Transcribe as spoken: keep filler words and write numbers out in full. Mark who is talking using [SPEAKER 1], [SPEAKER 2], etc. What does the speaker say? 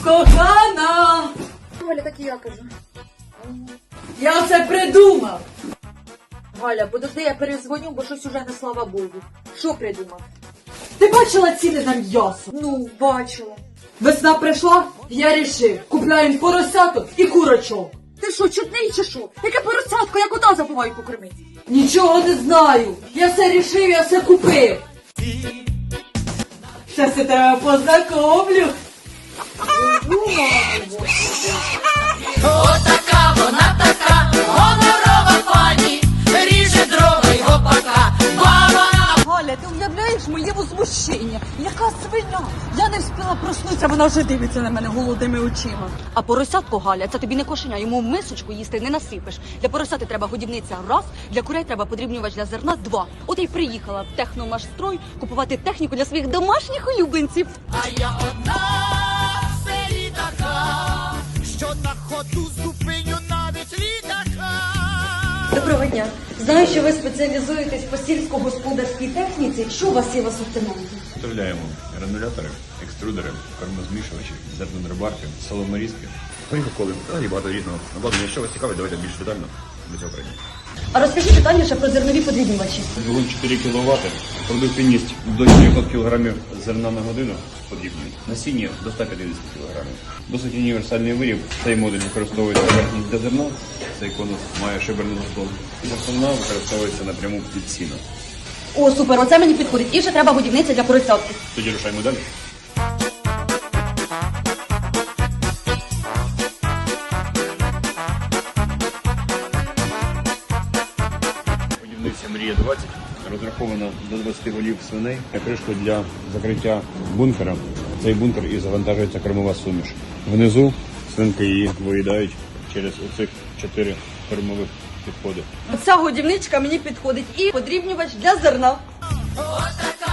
[SPEAKER 1] Кохана!
[SPEAKER 2] Галя, так і я кажу.
[SPEAKER 1] Я це придумав!
[SPEAKER 2] Галя, подожди, я перезвоню, бо щось уже не слава Богу. Що придумав?
[SPEAKER 1] Ти бачила ціни на м'ясо?
[SPEAKER 2] Ну, бачила.
[SPEAKER 1] Весна прийшла, я рішив. Купляємо поросяток і курочок.
[SPEAKER 2] Ти що, чудний чи що? Яке поросятко, я кота забуваю покормити.
[SPEAKER 1] Нічого не знаю. Я все рішив, я все купив. Щас я тебе познакомлю.
[SPEAKER 3] Отака вона така, гонорова пані, ріже дрова й гопака, баба.
[SPEAKER 4] Галя, ти уявляєш моє возмущення? Яка свиня? Я не встигла проснутися, вона вже дивиться на мене голодними очима. А поросятко, Галя, це тобі не кошеня, йому в мисочку їсти не насипеш. Для поросяти треба годівниця раз, для курей треба подрібнювач для зерна два. От я й приїхала в техномашстрой купувати техніку для своїх домашніх улюбленців.
[SPEAKER 3] А я одна в селі така, що на ходу зупиню навіть літака.
[SPEAKER 4] Доброго дня. Знаю, що ви спеціалізуєтесь по сільськогосподарській техніці. Що у вас є в асортименті?
[SPEAKER 5] Вставляємо гранулятори, екструдери, кормозмішувачі, зернодробарки, соломорізки, горіхоколи, взагалі багато різного. Обладнання, якщо вас цікавить, давайте більш детально до цього прийдемо.
[SPEAKER 4] А розкажіть детальніше про зернові подрібнювачі.
[SPEAKER 5] Двигун чотири кіловати, продуктивність до чотирьох кілограмів зерна на годину потрібний, насіння до ста п'ятдесят кілограмів. Досить універсальний виріб. Цей модуль використовується верхність для зерна, цей конус має шиберний заслон. Основна використовується напряму під сіно.
[SPEAKER 4] О, супер, оце мені підходить. І ще треба годівниця для поросятки.
[SPEAKER 5] Тоді рушаємо далі. Годівниця Мрія двадцять розрахована до двадцяти голів свиней. Кришку для закриття бункера. Цей бункер і завантажується кормова суміш. Внизу свинки її виїдають через оцих чотири кормових підходи.
[SPEAKER 4] Ця годівничка мені підходить і подрібнювач для зерна.
[SPEAKER 3] Отака